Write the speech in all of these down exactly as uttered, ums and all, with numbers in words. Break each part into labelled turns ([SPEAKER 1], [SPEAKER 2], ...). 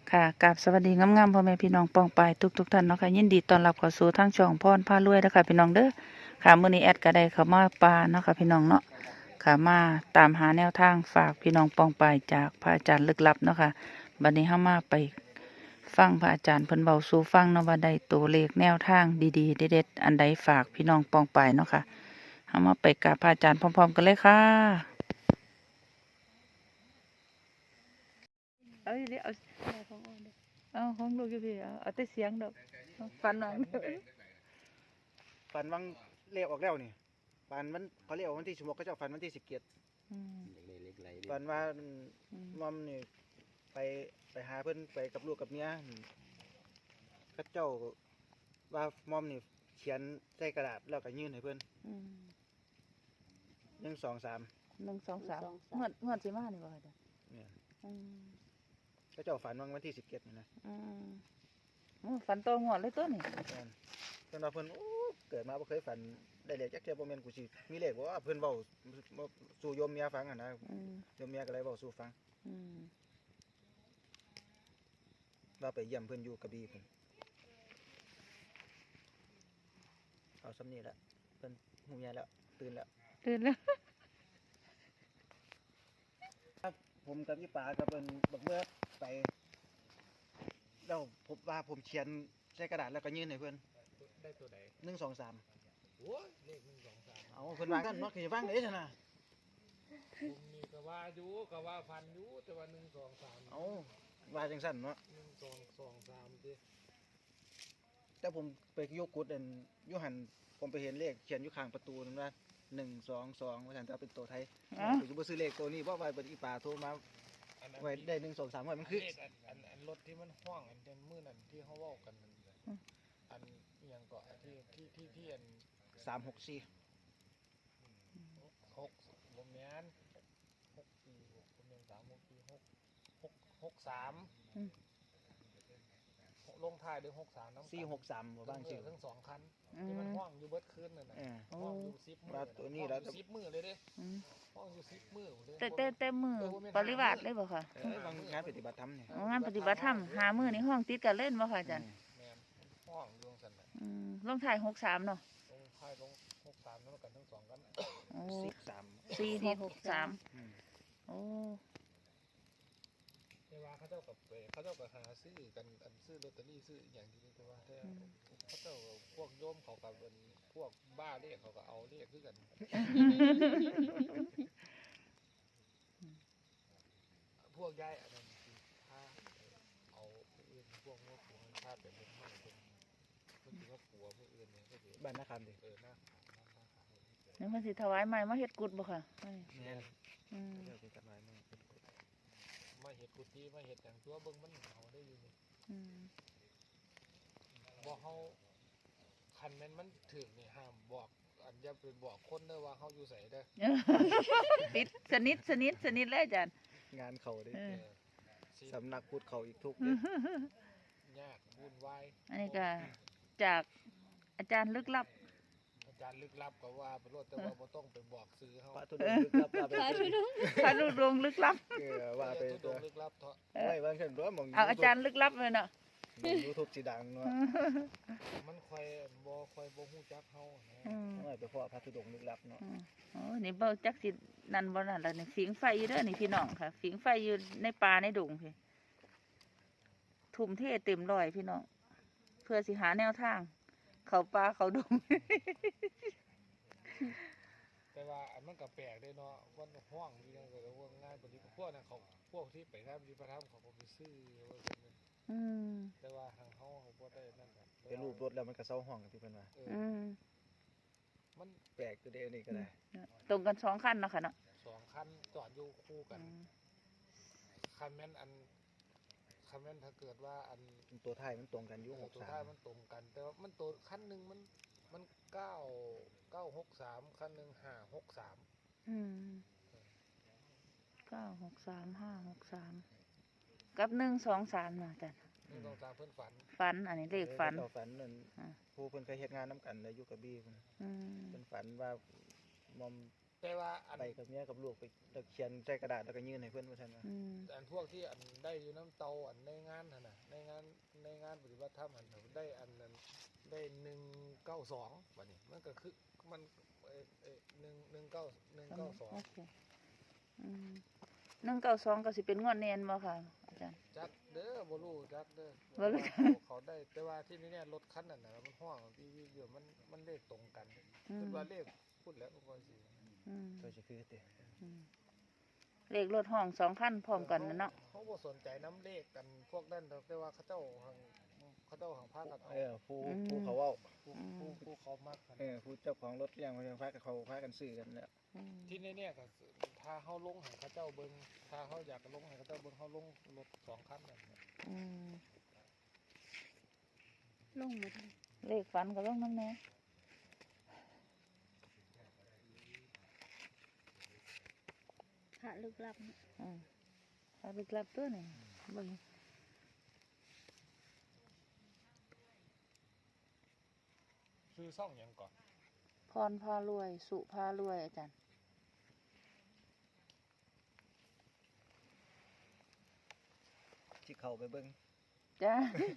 [SPEAKER 1] ค่ะกราบสวัสดีงามๆพ่อแม่พี่น้องปองปายทุกๆท่านเนาะค่ะยินดีต้อนรับเข้าสู่ทางช่องพรพารวยนะคะพี่น้องเด้อค่ะมื้อนี้แอดก็ได้เข้ามาป่าเนาะค่ะพี่น้องเนาะค่ะมาตามหาแนวทางฝากพี่น้องปองปายจากพระอาจารย์ลึกลับเนาะค่ะบัดนี้เฮามาไปฟังพระอาจารย์เพิ่นเบาสู่ฟังเนาะว่าได้ตัวเลขแนวทางดีๆเด็ดๆอันใดฝากพี่น้องปองปายเนาะค่ะเฮามาไปกับพระอาจารย์พร้อมๆกันเลยค่ะเอาเดี๋ยวเอาเอาของลูกอยู่พี่เอาเอาแต่เสียงดอกฟันหนัง
[SPEAKER 2] ฝันวังเลขออกแล้วนี่ฝันมันเขาเรียกว่าวันที่สิบหกเขาเจ้าฝันวันที่สิบเจ็ด
[SPEAKER 1] อืม
[SPEAKER 2] ฝันว่า
[SPEAKER 1] อืม
[SPEAKER 2] มอมนี่ไปไปหาเพิ่นไปกับลูกกับเมียเขาเจ้าว่ามอมนี่เขียนใส่กระดาษแล้วก็ยื่นให้เพิ่น
[SPEAKER 1] อืม
[SPEAKER 2] หนึ่งสองสาม
[SPEAKER 1] หนึ่งสองสามเมื่อเมื่อสิมานี่บ่ค่ะจ้ะ
[SPEAKER 2] เนี่ย
[SPEAKER 1] อืม
[SPEAKER 2] เขาเจ้าฝันวังวันที่สิบเจ็ดนี่นะ
[SPEAKER 1] อืมโอ้ฝันโตงวดเลยตัวนี่
[SPEAKER 2] แม่นเพิ่นว่าเพิ่นโอ้เกิดมาบ่เคยฝันได้เลขจักเที่ยบ่แม่นกูสิมีเลขบ่ว่าเพิ่นเว้าสู่โยมเมียฟังอ่ะนะ
[SPEAKER 1] อืม
[SPEAKER 2] โยมเมียก็เลยเว้าสู่ฟัง
[SPEAKER 1] อืม
[SPEAKER 2] ว่าไปเยี่ยมเพิ่นอยู่กระบี่เพิ่นเอาสำนี้ละเพิ่นหูเมียแล้วตื่นแล้ว
[SPEAKER 1] ตื่นแล้ว
[SPEAKER 2] ผมกับพี่ป๋ากับเป็นบักเมื่อไปแล้วผมว่าผมเขียนใส่กระดาษแล้วก็ยื่นให้เพื่อน
[SPEAKER 3] ได้ตัวไหน
[SPEAKER 2] หนึ่งสองสาม
[SPEAKER 3] โอ้ยเลขหนึ่งสองสาม
[SPEAKER 2] เอาเพื่อนว่ากันเนาะคือฟังได้ชนะ
[SPEAKER 3] ผมนี่ก็ว่าอยู่ก็ว่าฟันอยู่แต่ว่าหนึ่งสองสาม
[SPEAKER 2] เอาว่าจังสั้นเนาะ
[SPEAKER 3] หนึ่งสองสองสามดิ
[SPEAKER 2] แต่ผมไปโยกกุดเอ็นอยูหันผมไปเห็นเลขเขียนอยู่ข้างประตูนั่นว่าหนึ่งสองสองว่าฉันจะเอาเป็นตัวไทย
[SPEAKER 1] อ๋อ
[SPEAKER 2] ผมจะไปซื้อเลขตัวนี้เพราะว่าเป็นอีป่าโทรมา
[SPEAKER 3] อันนั้น
[SPEAKER 2] ไว้ได้หนึ่งสองสามไว้มันคือ
[SPEAKER 3] เลขอันอันอันรถที่มันห้องอันเดนมือนั่นที่เขาเว่ากันนั่นน่ะอันอหยังเกาะที่ที่ที่ที่อัน
[SPEAKER 2] สามหกสี่
[SPEAKER 3] หกผมแมนหกสี่หกผมแมนสามหกสี่หกหกหกสามลงท้ายด้วยหกสามน้ำ
[SPEAKER 2] สี่หกสามว่าบ้างชื่อ
[SPEAKER 3] ทั้งสองคัน
[SPEAKER 1] อื
[SPEAKER 3] ที่มัน
[SPEAKER 1] ม
[SPEAKER 3] ห้องอยู่เบิดคืนนั่นน่ะ
[SPEAKER 2] เออ
[SPEAKER 3] ห้องอยู่สิบมือ
[SPEAKER 2] ว่าตัวนี้
[SPEAKER 3] ห้อง
[SPEAKER 2] แล้ว
[SPEAKER 3] อยู่สิบมือเลยเด้
[SPEAKER 1] อืม
[SPEAKER 3] ห้องอยู่สิบมือเลย
[SPEAKER 1] แต่แต่แต่มือปริวาสเลยบ่ค่ะ
[SPEAKER 2] เออบางงานปฏิบัติธรรมเนี่ย
[SPEAKER 1] อ๋องานปฏิบัติธรรมหามือในห้องติดกันเล่นบ่ค่ะอาจารย์
[SPEAKER 3] แม่นห้องอยู่ตรงสันน่ะ
[SPEAKER 1] อืมลงถ่ายหกสามเนาะ
[SPEAKER 3] ลงท้ายลงหกสามแล้วกันทั้งสองกัน
[SPEAKER 1] โอ้
[SPEAKER 2] สี่สาม
[SPEAKER 1] สี่หกสาม
[SPEAKER 2] อืม
[SPEAKER 1] โอ้
[SPEAKER 3] แต่ว่าเขาเจ้ากับเปเขาเจ้ากับหาซื้อกันอันซื้อลอตเตอรี่ซื้ออย่างที่นี่แต่ว่าแต่เขาเจ้าพวกโยมเขากับเป็นพวกบ้าเลขเขาก็เอาเลขคือกัน พวกย้ายอันนั้นคือถ้าเอาผู้อื่นพวกว่าผัวถ้าเป็นเป็นห้องเป็นมันถือว่าผัวผู้อื่นเนี่ยก็ถือ
[SPEAKER 2] บ้านนาคำดิ
[SPEAKER 3] เออหน้าขาวหน้าขาว
[SPEAKER 1] นี่มันสิถวายใหม่มาเฮ็ดกุดบ่ค่ะอันนี้
[SPEAKER 2] เนี่ย
[SPEAKER 1] อืม
[SPEAKER 2] เดี๋ยวเป็นกันไว้มึง
[SPEAKER 3] มาเห็ดกุฏิมาเห็ดอย่างตัวเบิ่งมันเอาได้อยู่นี่
[SPEAKER 1] อืม
[SPEAKER 3] บอกเขาคันแม่นมันถึงนี่ห้ามบอกอันอย่าไปบอกคนเด้อว่าเขาอยู่ใส่เด้อ
[SPEAKER 1] ติดสนิทสนิทสนิทเลยอาจารย์
[SPEAKER 2] งานเขาดิ
[SPEAKER 1] เอ
[SPEAKER 3] เอ
[SPEAKER 1] อ
[SPEAKER 3] อสิ
[SPEAKER 2] สำนักพุทธเขาอีกทุกเด้อย
[SPEAKER 3] ากวุ่นวาย
[SPEAKER 1] อันนี้ก็จากอาจารย์ลึกลับ
[SPEAKER 3] อาจารย์ลึกลับก็ว่าไปรถแต่ว่าบ่ต้องไปบอกซื้อเขา
[SPEAKER 2] พระธุดงค์ลึกลับว่าไป
[SPEAKER 1] พระลูกดวงลึกลับ
[SPEAKER 2] เออว่าไป
[SPEAKER 3] ทุ
[SPEAKER 2] ตั
[SPEAKER 3] ด
[SPEAKER 2] ว
[SPEAKER 3] งลึกลับเถอะ
[SPEAKER 2] ไม่บางเช่นตัวมอง
[SPEAKER 1] เอาอาจารย์ลึกลับเลยเนาะ
[SPEAKER 2] ยูทูบสีดังเนาะ
[SPEAKER 3] มันค่อยบ่ค่อยบ่ฮู้จักเฮานะ
[SPEAKER 1] อืม
[SPEAKER 2] ไม่ไปพ่อพระธุดงค์ลึกลับเนาะ
[SPEAKER 1] อืมโอ้นี่เบาจักสินั่นบ่นั่นแล้วนี่ฝิงไฟอยู่เด้อนี่พี่น้องค่ะฝิงไฟอยู่ในป่าในดงพี่ทุ่มเทเต็มร้อยพี่น้องเพื่อสิหาแนวทาง เขาป่าเขาดง
[SPEAKER 3] แต่ว่าอันมันก็แปลกเด้เนาะวันห้องอยู่จังก็ว่าง่ายปฏิพวกนั้นเขาพวกที่ไปทำปฏิปธรรมเขาก็ไปซื้อว่าซั่นแม่น
[SPEAKER 1] อืม
[SPEAKER 3] แต่ว่าทางเฮาเขาบ่ได้นั่นกัน
[SPEAKER 2] เป็นรูปรถแล้วมันก็เศร้าห้องกันที่เพิ่นว่า
[SPEAKER 3] เออ
[SPEAKER 1] อืม
[SPEAKER 3] มัน
[SPEAKER 2] แปลกตัวเดียวนี่ก็ได้
[SPEAKER 1] ตรงกันสองขั้นเนาะค่ะเนาะ
[SPEAKER 3] สองคันจอดอยู่คู่กัน
[SPEAKER 1] อืม
[SPEAKER 3] คันแม่นอันคันแม่นถ้าเกิดว่าอัน
[SPEAKER 2] ตัวท้ายมันตรงกันอ
[SPEAKER 3] เอ
[SPEAKER 2] ยู่
[SPEAKER 3] อ
[SPEAKER 2] หก
[SPEAKER 3] ตัว
[SPEAKER 2] สา
[SPEAKER 3] ท้าย
[SPEAKER 2] ม
[SPEAKER 3] มันตรงกัน แต่ว่ามันตัวคันหนึงมันมันเก้าเก้าหกสามคันหนึงห้าหกสาม
[SPEAKER 1] อืมเก้าหกสามห้าหกสามกับหนึ่งสองสามเนาะอาจารย์
[SPEAKER 3] นี่ต้องตามเพิ่นฝัน
[SPEAKER 1] ฝันอันนี้เลขฝัน
[SPEAKER 2] เจ้าฝันนั่น
[SPEAKER 1] อ่า
[SPEAKER 2] ผู้เพิ่นเคยเฮ็ดงานนํกันในอยู่กับบี้เพิ่น
[SPEAKER 1] อืม
[SPEAKER 2] เพิ่นฝันว่ามอม
[SPEAKER 3] แต่ว่าอัน
[SPEAKER 2] ไปกับเมียกับลูกไปแล้วเขียนใส่กระดาษแล้วก็ยื่นให้เพิ่นว่าซั่นว่า
[SPEAKER 1] อืม
[SPEAKER 3] อันพวกที่อันได้อยู่น้ำเตาอันในงานหั่นน่ะในงานในงานปฏิบัติธรรมอันน่ะได้อันนั้นได้หนึ่งเก้าสองบัดนี้มันก็คือมันเอ่อเอ่อหนึ่งหนึ่งเก้าหนึ่งเก้าสอง
[SPEAKER 1] โอเคอืมหนึ่งเก้าสองก็สิเป็นงวดแน่นบ่ค่ะอาจารย์
[SPEAKER 3] จักเด้อบ่รู้จักเด้อ
[SPEAKER 1] บ่รู้
[SPEAKER 3] เขาเขาได้แต่ว่าที่นี่เนี่ยรถคันนั้นน่ะมันห้องพี่วิอยู่มันมันเลขตรงกัน
[SPEAKER 1] อื
[SPEAKER 3] คือ
[SPEAKER 1] ม
[SPEAKER 3] ว่าเลขพูดแล้วก็สิ
[SPEAKER 1] อืม
[SPEAKER 2] ก็สิคือติ
[SPEAKER 1] อืมเลขรถห้องสองคันพร้อมกันนะเนาะ
[SPEAKER 3] เขาบ่สนใจน้ำเลขกันพวกนั้นดอกแต่ว่าเขาเจ้าหังเขาเจ้าหังพากันเอา
[SPEAKER 2] เออผู้ผู้เขาเว้า
[SPEAKER 3] ผู้ผู้ผู้เขามักกัน
[SPEAKER 2] เออผู้เจ้าของรถเลี้ยงเขาพากันเขาพากันซื้อกันแล้ว
[SPEAKER 1] อืม
[SPEAKER 3] ที่นี่เนี่ยก็ถ้าเขาลงให้เขาเจ้าเบิ่งถ้าเขาอยากลงให้เขาเจ้าเบิ่งเขาลงรถสองคันนั่นน่ะ
[SPEAKER 1] อืม
[SPEAKER 4] ลงมาทาง
[SPEAKER 1] เลขฝันก็ลงน้ำแน่
[SPEAKER 4] พระลึกลับเนี่ย
[SPEAKER 1] อืมเอาไปกลับตัวนี่เบิ่ง
[SPEAKER 3] ซื้อซ่องหยังก่อน
[SPEAKER 1] พรพารวย สุพารวยอาจารย์
[SPEAKER 2] ที่เขาไปเบิ่ง
[SPEAKER 1] จ้า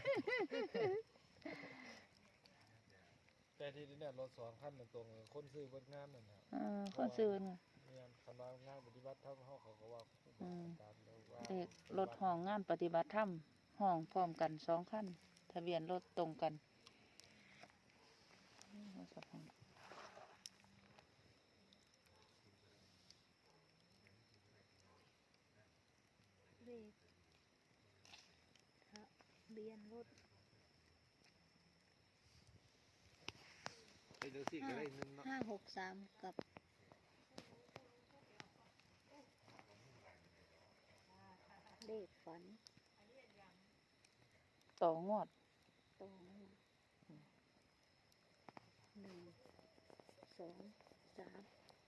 [SPEAKER 3] แต่ที่นี่เนี่ยรถสองคันนั่นตรงคนซื้อเบิ่งงานนั่นน่ะ
[SPEAKER 1] เออคนซื้อไง
[SPEAKER 3] เนี่ยคันว่างานปฏิบัติธรรมเขาเขาก็ว่าครู
[SPEAKER 1] อื
[SPEAKER 3] บาม อาจารย์แล้วว่า
[SPEAKER 1] เลขรถห้องงานปฏิบัติธรรมห้องพร้อมกันสองคันทะเบียนรถตรงกันอืมเอาสักพัก
[SPEAKER 4] เลขทะเบียนรถ
[SPEAKER 3] ไอ้เดี๋ยวสิก็ได้หนึงเนาะ
[SPEAKER 4] ห้าหกสามกับเลขฝัน
[SPEAKER 1] ต่องวด
[SPEAKER 4] ตรงหนึ่งสองสาม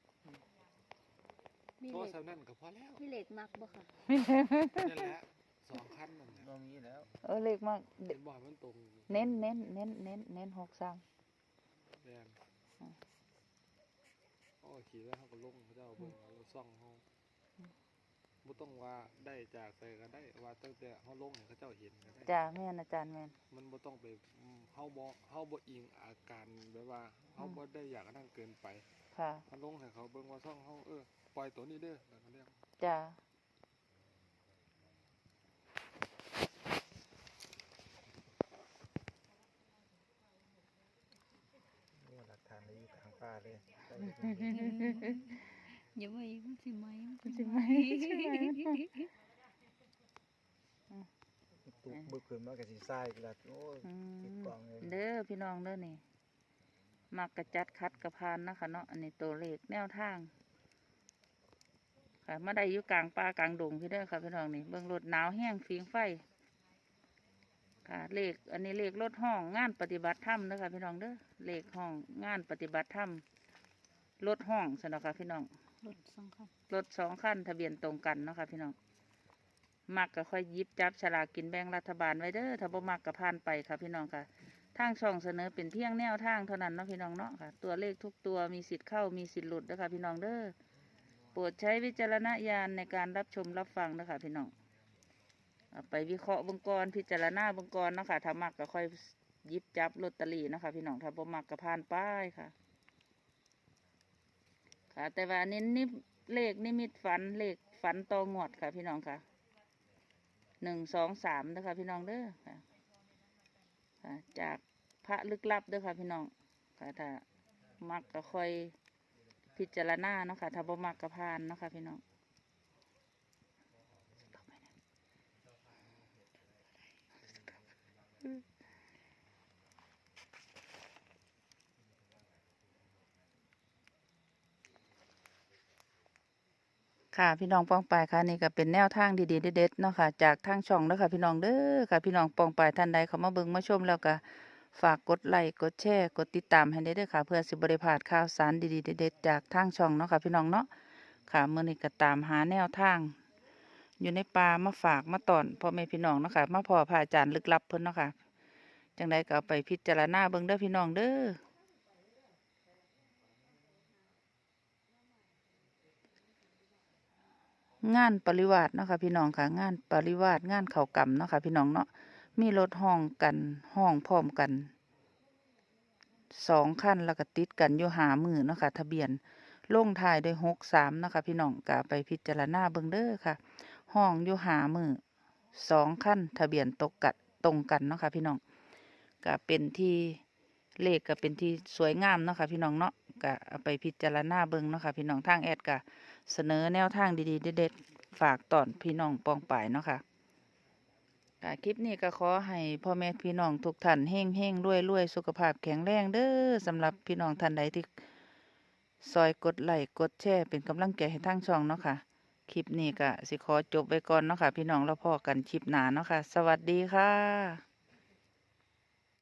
[SPEAKER 4] มี
[SPEAKER 3] โท
[SPEAKER 4] เล
[SPEAKER 3] ร
[SPEAKER 4] ข
[SPEAKER 3] ศัพท์นั่นก็พอแล้ว
[SPEAKER 4] มีเลขมักบ่ค่ะ
[SPEAKER 3] นั่นแหละสองคันนั่นน่ะ
[SPEAKER 2] บ่มีแล้ว
[SPEAKER 1] เออเลขมาก
[SPEAKER 3] เห็นบ่ให้มันตรง
[SPEAKER 1] เน้นเน้นเน้นเน้นเน้นหกสาม
[SPEAKER 3] แม่น
[SPEAKER 1] อืม
[SPEAKER 3] โอ้ขี่แล้วเขาก็ลงเขาเจ้าเบิ่งเอารถซ่องเขาบ่ต้องว่าได้จากใส่ก็ได้ว่าตั้งแต่เขาลงให้เขาเจ้าเห็นก็ได้
[SPEAKER 1] จ้าแม่นอาจารย์แม่น
[SPEAKER 3] มันบ่ต้องไปอืมเฮาบ่เฮาบ่อิงอาการแบบว่าเฮา
[SPEAKER 1] อืม
[SPEAKER 3] บ่ได้อยากนั่นเกินไป
[SPEAKER 1] ค่ะ
[SPEAKER 3] เขาลงให้เขาเบิ่งว่าซ่องเฮาเออปล่อยตัวนี้เด้อแล้วก็เรียก
[SPEAKER 1] จ้า
[SPEAKER 2] นี่หลักฐานเลยอยู่กลางป่าเลยไป
[SPEAKER 4] อย่าไว้มันสิไหมมัน
[SPEAKER 1] ใช่ไหมใช่ไหม
[SPEAKER 2] ตุกบึกขึ้นมาก็สิซ่าอีกแล้วโอ้ย
[SPEAKER 1] อื
[SPEAKER 2] ติด
[SPEAKER 1] ม
[SPEAKER 2] กล่องเลย
[SPEAKER 1] เด้อพี่น้องเด้อนี่มักกระจัดคัดกระพานนะคะเนาะอันนี้ตัวเลขแนวทางค่ะมาได้อยู่กลางป่ากลางดงพี่เด้อค่ะพี่น้องนี่เบิ่งรถหนาวแห้งฟิงไฟค่ะเลขอันนี้เลขรถห้องงานปฏิบัติธรรมเด้อค่ะพี่น้องเด้อเลขห้องงานปฏิบัติธรรมรถห้องสนอค่ะพี่น้อง
[SPEAKER 4] รถสองคัน
[SPEAKER 1] รถสองคันทะเบียนตรงกันเนาะค่ะพี่น้องมักก็ค่อยหยิบจับฉลากกินแบ่งรัฐบาลไว้เด้อถ้าบ่มักก็ผ่านไปค่ะพี่น้องค่ะทางช่องเสนอเป็นเพียงแนวทางเท่านั้นเนาะพี่น้องเนาะค่ะตัวเลขทุกตัวมีสิทธิ์เข้ามีสิทธิ์หลุดเด้อค่ะพี่น้องเด้อโปรดใช้วิจารณญาณในการรับชมรับฟังเด้อค่ะพี่น้องเอาไปวิเคราะห์เบิ่งก่อนพิจารณาเบิ่งก่อนเนาะค่ะถ้ามักก็ค่อยหยิบจับลอตเตอรี่เนาะค่ะพี่น้องถ้าบ่มักก็ผ่านไปค่ะ ค่ะแต่ว่าอันนี้นี่เลขนิมิตฝันเลขฝันตองวดค่ะพี่น้องค่ะหนึ่งสองสามเด้อค่ะพี่น้องเด้อค่ะค่ะจากพระลึกลับเด้อค่ะพี่น้องค่ะถ้ามักก็ค่อยพิจารณาเนาะค่ะถ้าบ่มักก็ผ่านเนาะค่ะพี่น้องค่ะพี่น้องปองปายค่ะนี่ก็เป็นแนวทางดีๆเด็ดๆเนาะค่ะจากทางช่องเด้อค่ะพี่น้องเด้อค่ะพี่น้องปองปายท่านใดเข้ามาเบิ่งมาชมแล้วก็ฝากกดไลค์กดแชร์กดติดตามให้ได้เด้อค่ะเพื่อสิบ่ได้พลาดข่าวสารดีๆเด็ดๆจากทางช่องเนาะค่ะพี่น้องเนาะค่ะมื้อนี้ก็ตามหาแนวทาง อยู่ในป่ามาฝากมาตอนพ่อแม่พี่น้องเนาะค่ะมาพ่อพระอาจารย์ลึกลับเพิ่นเนาะค่ะจังใดก็เอาไปพิจารณาเบิ่งเด้อพี่น้องเด้องานปริวาสเนาะค่ะพี่น้องค่ะงานปริวาสงานเข้ากรรมเนาะค่ะพี่น้องเนาะมีรถห้องกันห้องพร้อมกันสองคันแล้วก็ติดกันอยู่หามือเนาะค่ะทะเบียนลงท้ายด้วยหกสามเนาะค่ะพี่น้องก็ไปพิจารณาเบิ่งเด้อค่ะห้องอยู่หามือสองคันทะเบียนตกกันตรงกันเนาะค่ะพี่น้องก็เป็นที่เลขก็เป็นที่สวยงามเนาะค่ะพี่น้องเนาะก็เอาไปพิจารณาเบิ่งเนาะค่ะพี่น้องทางแอดก็เสนอแนวทางดีๆเด็ดๆฝากตอนพี่น้องปองป่ายเนาะค่ะค่ะคลิปนี้ก็ขอให้พ่อแม่พี่น้องทุกท่านเฮงเฮงรวยรวยสุขภาพแข็งแรงเด้อสำหรับพี่น้องท่านใดที่ซอยกดไลค์กดแชร์เป็นกำลังใจให้ทางช่องเนาะค่ะคลิปนี้ก็สิขอจบไว้ก่อนเนาะค่ะพี่น้องแล้วพอกันคลิปหน้าเนาะค่ะสวัสดีค่ะ